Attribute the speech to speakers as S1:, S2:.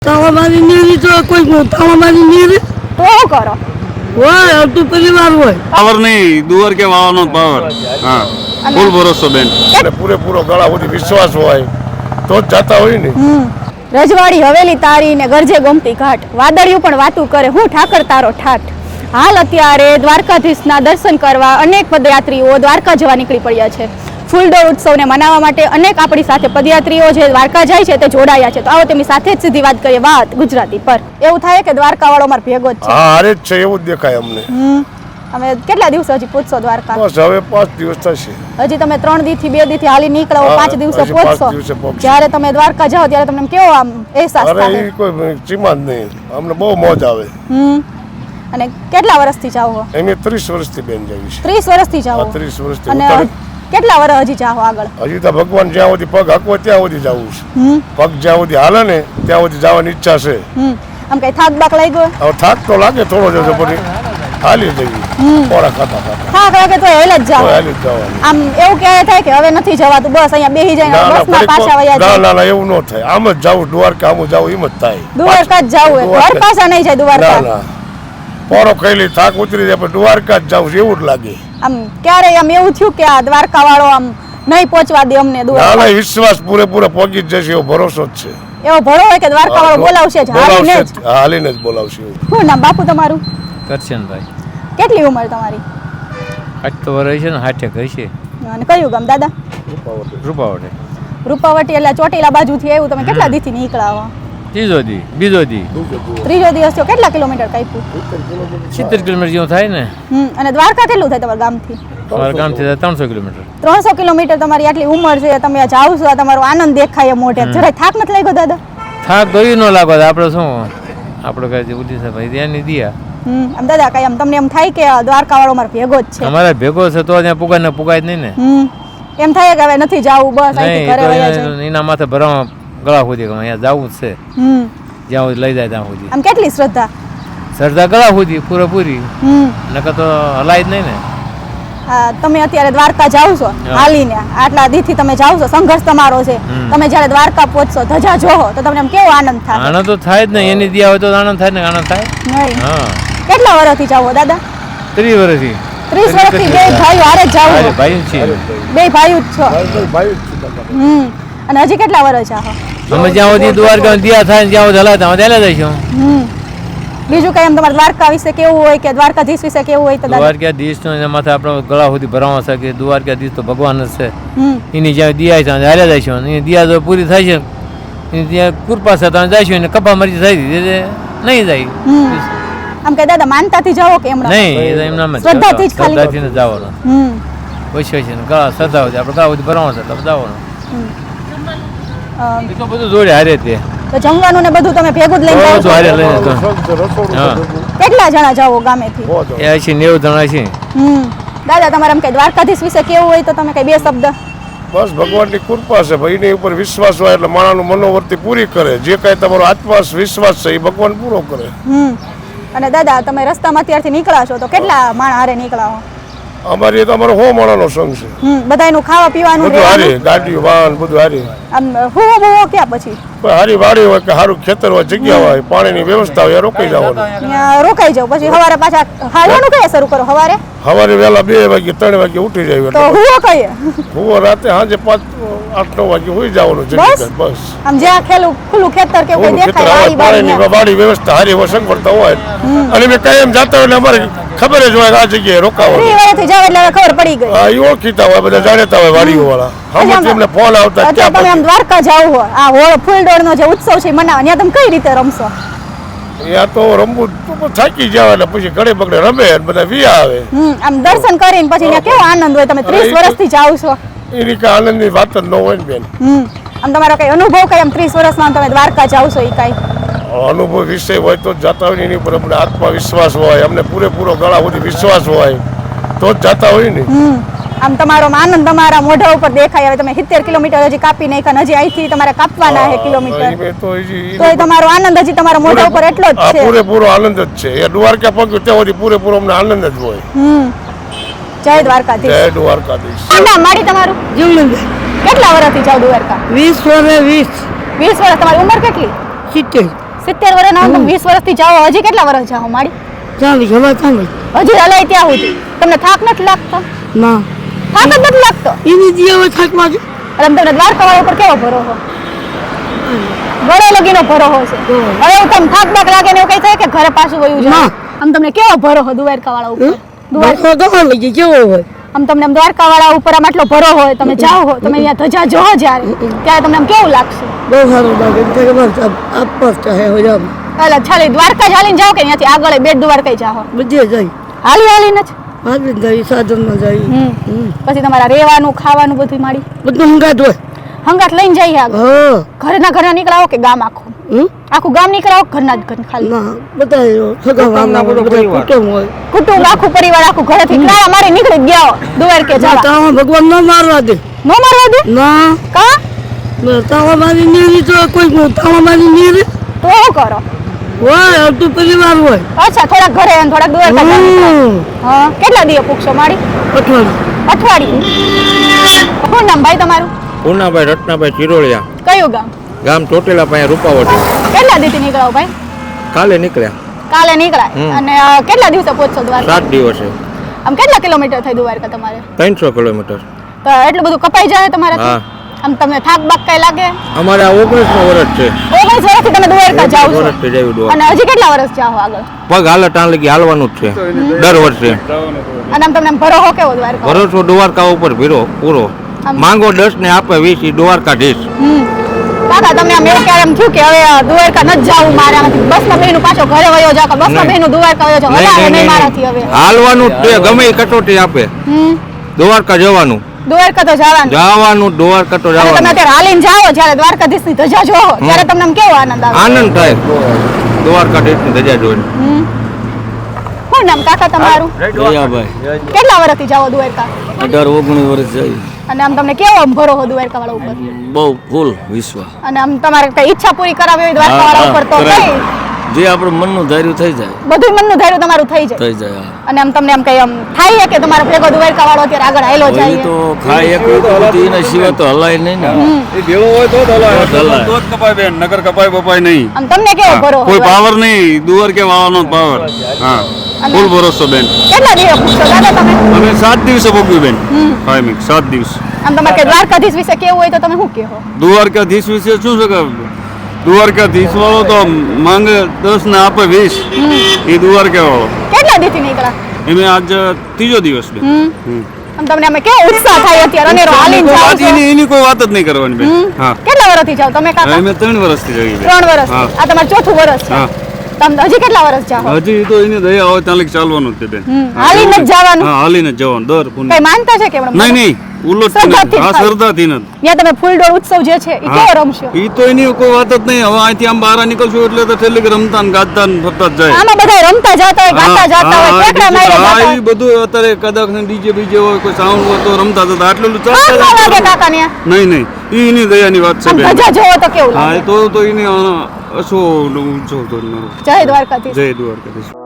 S1: તાવામારી નીરી તો કોઈ તાવામારી નીરી
S2: તો શું કરો
S1: હોય અડધું પરિવાર હોય
S3: પાવર નહીં દુવાર કે વાવાનો પાવર હા ફૂલ ભરોસો બેન
S4: પૂરેપૂરો ગળા સુધી વિશ્વાસ હોય તો જ જાતા હોય ને
S2: રજવાડી હવેલી તારી ને ગરજે ગમતી ઘાટ વાદળિયું પણ વાતું કરે હું ઠાકર તારો ઠાઠ હાલ અત્યારે દ્વારકાધીશના દર્શન કરવા અનેક પદયાત્રીઓ દ્વારકા જવા નીકળી પડ્યા છે ફૂલડોળ ઉત્સવને મનાવવા માટે અનેક આપણી સાથે પદયાત્રીઓ જે દ્વારકા જાય છે તે જોડાયા છે તો આવો તેમની સાથે જ સીધી વાત કરીએ વાત ગુજરાતી પર એવું થાય કે દ્વારકા વાળો મારો ભેગો જ છે
S4: હા હારે જ છે એવું જ દેખાય અમને
S2: અમે કેટલા દિવસ હજી પૂછશો દ્વારકા
S4: બસ હવે 5 દિવસ થશે
S2: હજી તમે 3 દી થી 2 દી થી હાલી નીકળો 5 દિવસે પહોંચશો જ્યારે તમે દ્વારકા જાઓ ત્યારે તમને કેવો આમ અહેસાસ થાય
S4: અરે કોઈ ચીમા જ નહીં અમને બહુ મોજ આવે
S2: અને કેટલા વર્ષથી જાઓ છો
S4: એમે 30 વર્ષથી બેન જાવી છે
S2: 30 વર્ષથી જાઓ
S4: 30 વર્ષથી
S2: અને કેટલા વર્ષ હજી જાઓ આગળ
S4: હજી તો ભગવાન જ્યાં સુધી પગ હાકવો ત્યાં સુધી જવું છે પગ જ્યાં સુધી હાલે ને ત્યાં સુધી જવાની ઈચ્છા છે
S2: આમ કઈ થાક બાક લાગ્યો
S4: હવે થાક તો લાગે થોડો જજો પણ હાલી જઈએ ખોરાક ખાતા ખાતા
S2: થાક લાગે તો હેલ જ જાઓ
S4: હાલી જ જવાનું
S2: આમ એવું ક્યારે થાય કે હવે નથી જવાતું બસ અહીંયા બેહી જઈને બસમાં પાછા વયા જાય
S4: ના એવું ન થાય આમ જ જાવું દ્વારકા આમ જાવું એમ જ થાય
S2: દ્વારકા જ જાવું ઘર પાછા નહીં જાય દ્વારકા
S4: ના પોરો ખાઈ થાક ઉતરી જાય પણ દ્વારકા જ જાવું એવું જ લાગે
S2: આમ ક્યારે આમ એવું થયું કે આ દ્વારકા વાળો આમ નહીં પહોંચવા દે અમને દ્વારકા
S4: ના વિશ્વાસ પૂરેપૂરો પહોંચી જ જશે એવો ભરોસો જ છે
S2: એવો ભરો હોય કે દ્વારકા વાળો બોલાવશે જ
S4: હાલીને જ બોલાવશે
S2: શું નામ બાપુ તમારું
S5: કરશનભાઈ
S2: કેટલી ઉંમર તમારી
S5: 8 વર્ષ છે ને 60 છે
S2: અને કયું ગામ દાદા
S5: રૂપાવટે
S2: રૂપાવટી એટલે ચોટીલા બાજુથી આવ્યું તમે કેટલા દીથી નીકળ્યા
S5: બીજો દી
S2: ત્રીજો દિવસ થયો કેટલા કિલોમીટર કાપ્યું
S5: 70 કિલોમીટર જેવું થાય ને
S2: અને દ્વારકા કેટલું થાય તમારા ગામથી
S5: અમારા ગામથી 300 કિલોમીટર
S2: 300 કિલોમીટર તમારી આટલી ઉંમર છે તમે જાવ છો તમારો આનંદ દેખાય મોઢે જરાય થાક નથી લાગ્યો દાદા
S5: થાક તો ન લાગો આપણે શું આપણે કઈ ઉદ્દેશ ભાઈ ત્યાંની દિયા
S2: આમ દાદા કઈ આમ તમને એમ થાય કે દ્વારકા વાળો મારો ભેગો જ છે
S5: અમારા ભેગો છે તો ત્યાં પુગાય જ નહીં ને
S2: એમ થાય કે હવે નથી જાવું બસ અહીંથી ઘરે વયા જાય
S5: એના માથે ભરવા ગળા સુધી અહીંયા જવું જ છે જ્યાં સુધી લઈ જાય ત્યાં સુધી
S2: આમ કેટલી
S5: શ્રદ્ધા ગળા સુધી પૂરેપૂરી નકર તો હલાય જ નહીં ને
S2: તમે અત્યારે દ્વારકા જાવ છો હાલીને આટલા દીથી તમે જાવ છો સંઘર્ષ તમારો છે તમે જ્યારે દ્વારકા પહોંચશો ધજા જોહો તો તમને કેવો આનંદ થાય
S5: આનંદ તો થાય જ નહીં એની દિયા હોય તો આનંદ થાય ને આનંદ થાય
S2: નહીં
S5: હા
S2: કેટલા વર્ષથી જાવ દાદા
S5: 30 વર્ષથી
S2: 30 વર્ષથી બે ભાઈઓ હારે જ જાવ
S5: ભાઈ છે
S2: બે ભાઈઓ જ છો અને હજી કેટલા વર્ષ છે
S5: અમે જ્યાં સુધી દ્વારકા દિયા થાય જ્યાં સુધી હલાતા ત્યાં જઈશું
S2: બીજું કઈ એમ તમારે દ્વારકા વિશે કેવું હોય કે દ્વારકાધીશ વિશે કેવું હોય તો
S5: દ્વારકાધીશ નો એના માથે આપણે ગળા સુધી ભરાવા શકે દ્વારકાધીશ તો ભગવાન જ છે એની જ્યાં દિયા છે હાલ્યા જઈશું એની દિયા જો પૂરી થાય છે એની ત્યાં કૃપા છે ત્યાં જઈશું એને કપા મરજી થઈ નહીં જાય
S2: આમ કે દાદા માનતાથી જાઓ કે એમના
S5: નહીં એમના
S2: શ્રદ્ધાથી જ ખાલી
S5: શ્રદ્ધાથી જવાનું વૈશ્વ છે ને ગળા શ્રદ્ધા હોય આપણે ગળા સુધી ભરાવા છે એટલે જવાનું તો બધું જોડે હારે તે
S2: તો જમવાનું ને બધું તમે ભેગું જ લઈને જાઓ છો કેટલા જણા જાઓ ગામેથી
S5: એ છે 90 જણા છે
S2: દાદા તમારે એમ કે દ્વારકાધીશ વિશે કેવું હોય તો તમે કઈ બે શબ્દ
S4: બસ ભગવાનની કૃપા છે ભાઈની ઉપર વિશ્વાસ હોય એટલે માણસનું મનોવૃત્તિ પૂરી કરે જે કાંઈ તમારો આત્મા વિશ્વાસ છે એ ભગવાન પૂરો કરે
S2: અને દાદા તમે રસ્તામાં અત્યારથી નીકળ્યા છો તો કેટલા માણસ હારે નીકળ્યા
S4: અમારી તો અમારો 100 માણસનો સંઘ છે
S2: બધાયનું ખાવા પીવાનું
S4: બધું હારી ગાડીઓ વાહન બધું હારી
S2: આમ હુવો બુવો ક્યાં પછી
S4: હારી વાડી હોય કે સારું ખેતર હોય જગ્યા હોય પાણીની વ્યવસ્થા હોય રોકાઈ જવાનું
S2: રોકાઈ જાવ પછી સવારે પાછા હાલવાનું કઈ શરૂ કરો સવારે
S4: વહેલા 2 વાગે 3 વાગે ઉઠી જાય
S2: તો હુવો કઈ
S4: હુવો રાતે સાંજે 5-8-9 વાગે હોઈ જવાનું બસ
S2: આમ જ્યાં ખુલ્લું ખેતર કે કોઈ દેખાય
S4: વાડી વ્યવસ્થા હારી હોય સગવડતા હોય અને મેં કાયમ જાતા હોય એટલે અમારે ખબર જ હોય આ જગ્યાએ રોકાવાનું
S2: જાવ એટલે ખબર પડી ગઈ
S4: હા એ ઓળખીતા હોય બધા જાણતા હોય વાડીઓ વાળા હમ તેમને ફોન આવતા
S2: અત્યારે તમે આમ દ્વારકા જાવ હો આ હોળ ફૂલડોળનો જે ઉત્સવ છે મનાવવા ત્યાં તમે કઈ રીતે રમશો
S4: ત્યાં તો રમવું તો થાકી જાવ એટલે પછી ઘડે બગડે રમે બધા વિયા આવે
S2: આમ દર્શન કરીને પછી ત્યાં કેવો આનંદ હોય તમે 30 વર્ષથી જાવ છો
S4: એની કઈ આનંદની વાત જ ન હોય ને બેન
S2: આમ તમારો કઈ અનુભવ કઈ આમ 30 વર્ષમાં તમે દ્વારકા જાવ છો એ કઈ
S4: અનુભવ વિષય હોય તો જાતા હોય એની ઉપર અમને આત્મવિશ્વાસ હોય અમને પૂરેપૂરો ગળા સુધી વિશ્વાસ હોય તો જ જાતા હોય ને
S2: આમ તમારો આનંદ તમારા મોઢા ઉપર દેખાય હવે તમે 70 કિલોમીટર હજી કાપી નાખ્યા હજી અહીંથી તમારે કાપવાના છે કિલોમીટર તો તમારો આનંદ હજી તમારા મોઢા ઉપર એટલો જ છે
S4: પૂરેપૂરો આનંદ જ છે એ દ્વારકા પગ ત્યાં સુધી પૂરેપૂરો અમને આનંદ જ હોય
S2: જય દ્વારકાધીશ
S4: જય દ્વારકાધીશ
S2: નામ મારી તમારું
S1: જીવનભાઈ
S2: કેટલા વર્ષથી જાવ દ્વારકા
S1: 20 વર્ષ
S2: 20 વર્ષ તમારી ઉંમર કેટલી
S1: 70
S2: 70 વર્ષના તમે 20 વર્ષથી જાઓ, હજી કેટલા વર્ષ જાઓ માડી?
S1: ચાલી ખબર ચાલી
S2: હજી હલાય ત્યાં સુધી તમને થાક નથી લાગતો?
S1: ના
S2: થાક જ નથી લાગતો?
S1: એની જે હવે થાકમાં છે
S2: અને તમને દ્વારકાવાળા ઉપર કેવો ભરોસો? ગળે લગીનો ભરોસો છે. હવે એવું તમને થાક બાક લાગે ને એવું કઈ થાય કે ઘરે પાછું વયું જાય? આમ તમને કેવો ભરોસો દ્વારકાવાળા ઉપર?
S1: દ્વારકા લઈ જાય કેવો હોય
S2: આમ તમને આમ દ્વારકાવાળા ઉપર આમ આટલો ભરો હોય, તમે જાઓ હો, તમે અહીંયા ધજા જોવો જ્યારે ત્યારે તમને આમ કેવું લાગશે?
S1: બહુ સારું લાગે કે બસ આપસ ચાહે હો જાવ
S2: એટલે છાલી દ્વારકા જ હાલીને જાઓ કે અહીંયાથી આગળ બેટ દ્વારકા જાઓ?
S1: બધે જાય
S2: હાલી હાલીને જ?
S1: હાલી જાય સાધનમાં જાય
S2: પછી તમારા રહેવાનું ખાવાનું બધું માડી
S1: બધું હંગાત હોય
S2: હંગાત લઈને જઈએ આગળ?
S1: હા
S2: ઘરના નીકળાવો કે ગામ આખું? આખું ગામ નીકળાવો ઘરના જ ઘર ખાલી?
S1: ના બધા સગા કુટુંબ હોય
S2: કુટુંબ આખું પરિવાર આખું ઘરેથી ક્યાં અમારે નીકળી ગયા હો દ્વારકે જવા?
S1: તાવા ભગવાન ન મારવા દે
S2: નો મારવા દે?
S1: ના
S2: કા
S1: તાવા મારી નીરી તો કોઈ તાવા મારી નીરી
S2: તો શું કરો?
S1: હોય અડધું પરિવાર હોય
S2: અચ્છા, થોડાક ઘરે અને થોડાક દ્વારકા જાવ. હા, કેટલા દિવસ પૂછશો માડી?
S1: અઠવાડિયું
S2: શું નામ ભાઈ તમારું?
S6: પૂનાભાઈ રત્નાભાઈ ચિરોળિયા,
S2: કયું ગામ?
S6: ગામ ચોટીલા પાસે રૂપાવટી.
S2: કેટલા દિવસથી નીકળાવો ભાઈ?
S6: કાલે નીકળ્યા.
S2: કાલે નીકળાય. અને કેટલા દિવસે પહોંચશો દ્વારકા?
S6: 7 દિવસે.
S2: આમ કેટલા કિલોમીટર થાય દ્વારકા તમારે?
S6: 300 કિલોમીટર.
S2: તો એટલું બધું કપાઈ જાય તમારે?
S6: હા.
S2: આમ તમને થાક બાક કઈ લાગે?
S6: અમારે આ 19નું વર્ષ છે.
S2: 19 વર્ષથી તમે દ્વારકા જાઓ છો?
S6: વર્ષથી જાવી દ્વારકા.
S2: અને હજી કેટલા વર્ષ જાઓ આગળ?
S6: પગ હાલે ટાણ લગી હાલવાનું જ છે દર વર્ષે.
S2: અને આમ તમને ભરોસો કેવો દ્વારકા?
S6: ભરોસો દ્વારકા ઉપર પૂરો. માંગો 10 ને આપે 20, ઈ દ્વારકાધીશ.
S2: કાકા તમને આમ એવું ક્યારે એમ થયું કે હવે દ્વારકા નથી જાવું મારે, આમાંથી બસમાં બેહીનું પાછો ઘરે વયો જાવ કે બસમાં બેહીનું દ્વારકા વયો જાવ? હલાવે નહીં મારાથી હવે.
S6: હાલવાનું જ છે, ગમે ઈ કટોટી આપે. દ્વારકા જવાનું.
S2: દ્વારકા તો જવાનું.
S6: દ્વારકા તો
S2: અને તમે
S6: જવાનું.
S2: અત્યારે હાલીને જાઓ જ્યારે દ્વારકાધીશની ધજા જોવો ત્યારે તમને આમ કેવો આનંદ આવે?
S6: આનંદ થાય દ્વારકાધીશની ધજા જોઈને.
S2: શું નામ કાકા તમારું?
S3: દયાભાઈ
S2: કેટલા વર્ષથી જાઓ દ્વારકા?
S3: 18-19 વર્ષ જાય
S2: અને આમ તમને કેવો આમ ભરોસો દ્વારકાવાળા ઉપર?
S3: બહુ ફૂલ વિશ્વાસ
S2: અને આમ તમારે કઈ ઈચ્છા પૂરી કરાવી હોય દ્વારકાવાળા ઉપર તો કઈ?
S3: જે આપણું મનનું ધાર્યું થઈ જાય
S2: બધું મનનું ધાર્યું તમારું થઈ જાય? અને આમ તમને આમ કઈ આમ થાય કે તમારો ભેગો દ્વારકાવાળો અત્યારે આગળ હાયલો જાય?
S3: તો ખાય એક એના સિવાય તો હલાય નહીં ને એ ભેળો હોય તો જ હલાય તો જ કપાય બેન નગર કપાય બપાય નહીં
S2: આમ તમને કેવો ભરોસો?
S3: કોઈ પાવર નહીં દુવર કે વાવાનો પાવર હા ફૂલ ભરોસો બેન
S2: કેટલા દિવસ પૂછશો દાદા તમે?
S3: અમે 7 દિવસે ભોગવ્યું બેન કાયમી 7 દિવસ
S2: આમ તમારે કઈ દ્વારકાધીશ વિશે કેવું હોય તો તમે શું કહો?
S3: દ્વારકાધીશ વિશે શું છે કે દ્વારકાધીશ વાળો તો માંગે 10 ને આપે 20 એ દ્વારકા વાળો.
S2: કેટલા દિવસથી નીકળ્યા?
S3: એમે આજ 3જો દિવસ બેન
S2: આમ તમને અમે કેવો ઉત્સાહ થાય અત્યારે અનેરો હાલીને જાઓ છો?
S3: એની કોઈ વાત જ નહીં કરવાની બેન હા
S2: કેટલા વર્ષથી જાઓ તમે કાકા?
S3: અમે 3 વર્ષથી જઈએ
S2: 3 વર્ષ.
S3: હા.
S2: આ તમારું ચોથું વર્ષ છે.
S3: હા.
S2: તમે હજી કેટલા વર્ષ જાઓ?
S3: હજી તો એની દયા હોય ત્યાં લગી ચાલવાનું જ છે બેન
S2: હાલીને જ જવાનું?
S3: હા હાલીને જ જવાનું દર પુણ્ય
S2: કઈ માનતા છે કે હમણાં?
S3: નહીં ઉલ્લો
S2: શ્રદ્ધાથી જ
S3: હા
S2: ખાલી.
S3: શ્રદ્ધાથી નથી
S2: ત્યાં તમે ફૂલડોળ ઉત્સવ જે છે એ કેવો રમશો?
S3: ઈ તો એની કોઈ વાત જ નહીં હવે અહીંથી આમ બહાર નીકળશું એટલે તો છેલ્લે રમતા ને ગાતા ને ફરતા જ જાય
S2: આમાં બધા રમતા જતા હોય ગાતા જતા હોય કેટલા માયરે જતા
S3: હા
S2: હોય.
S3: ઈ બધું અત્યારે કદાચ ડીજે બીજે હોય કોઈ સાઉન્ડ હોય તો રમતા જતા આટલું
S2: કામ ન લાગે
S3: ચાલતા
S2: કાકા ને?
S3: નહીં ઈ એની દયાની વાત છે
S2: આમ
S3: બેન
S2: ધજા જોવો તો કેવું
S3: હા
S2: લાગે?
S3: એ તો એની અશો ઊંચો તો
S2: જય દ્વારકાધીશ.
S3: જય દ્વારકાધીશ.